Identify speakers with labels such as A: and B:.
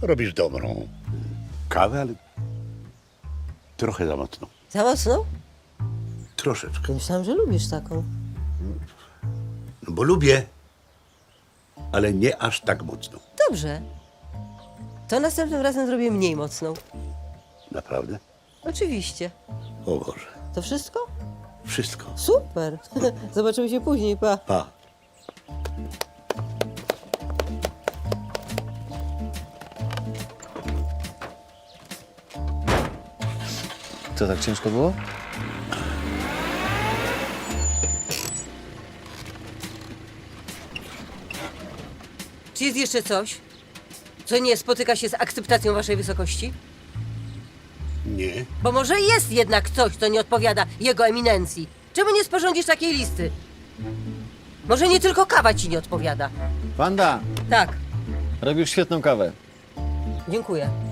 A: robisz dobrą kawę, ale trochę za mocno.
B: Za mocno?
A: Troszeczkę.
B: Myślałam, że lubisz taką.
A: No bo lubię, ale nie aż tak mocno.
B: Dobrze. To następnym razem zrobię mniej mocną.
A: Naprawdę?
B: Oczywiście.
A: O Boże.
B: To wszystko?
A: Wszystko.
B: Super. Zobaczymy się później, pa.
A: Pa.
C: Co, tak ciężko było?
B: Czy jest jeszcze coś, co nie spotyka się z akceptacją waszej wysokości?
A: Nie.
B: Bo może jest jednak coś, co nie odpowiada jego eminencji. Czemu nie sporządzisz takiej listy? Może nie tylko kawa ci nie odpowiada.
C: Wanda,
B: Tak,
C: robisz świetną kawę.
B: dziękuję.